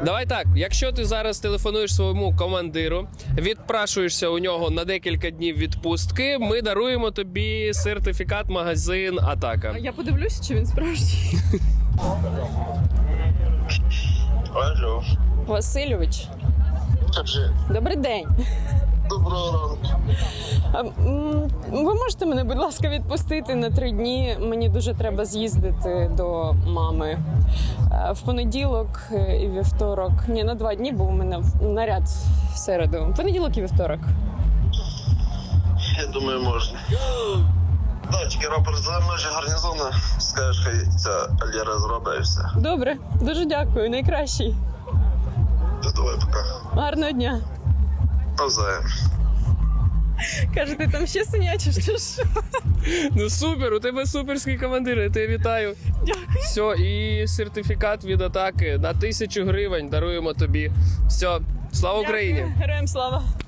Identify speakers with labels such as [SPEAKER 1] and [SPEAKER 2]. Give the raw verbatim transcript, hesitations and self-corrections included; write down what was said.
[SPEAKER 1] Давай так, якщо ти зараз телефонуєш своєму командиру, відпрашуєшся у нього на декілька днів відпустки, ми даруємо тобі сертифікат магазин Атака.
[SPEAKER 2] Я подивлюся, чи він справжній.
[SPEAKER 3] Алло.
[SPEAKER 2] Васильович,
[SPEAKER 3] Кажи.
[SPEAKER 2] добрий день.
[SPEAKER 3] Доброго ранку.
[SPEAKER 2] А, м, ви можете мене, будь ласка, відпустити на три дні? Мені дуже треба з'їздити до мами. Е, В понеділок і вівторок. Ні, на два дні, бо у мене в- наряд в середу. Понеділок і вівторок.
[SPEAKER 3] Я думаю, можна. Да, тільки рапорт за межі гарнізону. Скажеш, хай ця Альєра зробить і все.
[SPEAKER 2] Добре, дуже дякую. Найкращий.
[SPEAKER 3] То давай пока.
[SPEAKER 2] Гарного дня.
[SPEAKER 3] Навзаєм.
[SPEAKER 2] Кажете, там ще синячиш, чи що?
[SPEAKER 1] Ну супер, у тебе суперський командир, я тебе вітаю.
[SPEAKER 2] Дякую.
[SPEAKER 1] Все, і сертифікат від Атаки на тисячу гривень даруємо тобі. Все, слава Україні!
[SPEAKER 2] Дякую. Героям слава.